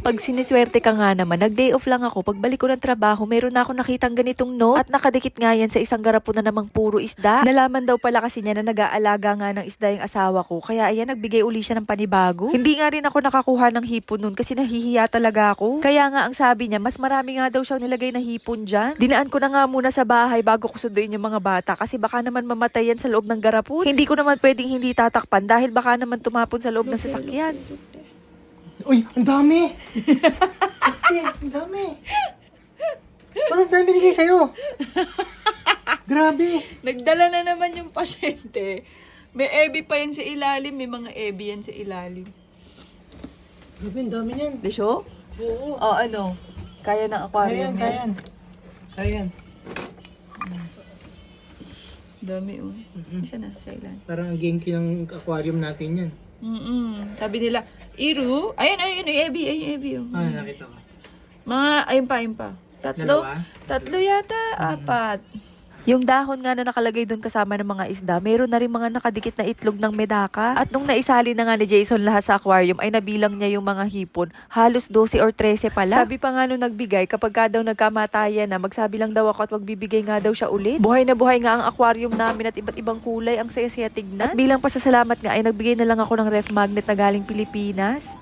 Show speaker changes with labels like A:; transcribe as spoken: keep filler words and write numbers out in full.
A: Pag siniswerte ka nga naman, nag-day off lang ako. Pagbalik ko ng trabaho, meron na ako nakitang ganitong note. At nakadikit nga yan sa isang garapon na namang puro isda. Nalaman daw pala kasi niya na nag-aalaga nga ng isda yung asawa ko. Kaya ayan, nagbigay uli siya ng panibago. Hindi nga rin ako nakakuha ng hipon nun kasi nahihiya talaga ako. Kaya nga ang sabi niya, mas marami nga daw siyang nilagay na hipon dyan. Dinaan ko na nga muna sa bahay bago ko sunduin yung mga bata kasi baka naman mamatay yan sa loob ng garapon. Hindi ko naman pwedeng hindi tatakpan dahil baka naman tumapon sa loob ng sasakyan.
B: Uy, ang dami! Ate, ang dami! Ba't ang dami binigay sa'yo? Grabe!
A: Nagdala na naman yung pasyente. May ebi pa yan sa ilalim. May mga ebi yan sa ilalim.
B: Grabe, ang dami yan.
A: Di siyo?
B: Oo.
A: O ano? Kaya ng aquarium
B: Kayan, kayan. Kayan.
A: Dami oh.
B: Mhm.
A: Siya na, siya ilan.
B: Parang ang genki ng aquarium natin yan.
A: Mm-mm. Sabi nila, Iru, ayun, ayun, yung ebi, ayun, yung ebi oh.
B: Ah, nakita ko.
A: Mga, ayun pa, ayun pa. Tatlo?
B: Dalawa?
A: Tatlo yata, apat. Yung dahon nga na nakalagay doon kasama ng mga isda, meron na rin mga nakadikit na itlog ng medaka. At nung naisali na nga ni Jason lahat sa aquarium, ay nabilang niya yung mga hipon. Halos twelve or thirteen pala. Sabi pa nga nung nagbigay, kapag ka daw nagkamatayan na, magsabi lang daw ako at magbibigay nga daw siya ulit. Buhay na buhay nga ang aquarium namin at iba't ibang kulay. Ang saya-saya tignan. At bilang pasasalamat nga ay nagbigay na lang ako ng ref magnet na galing Pilipinas.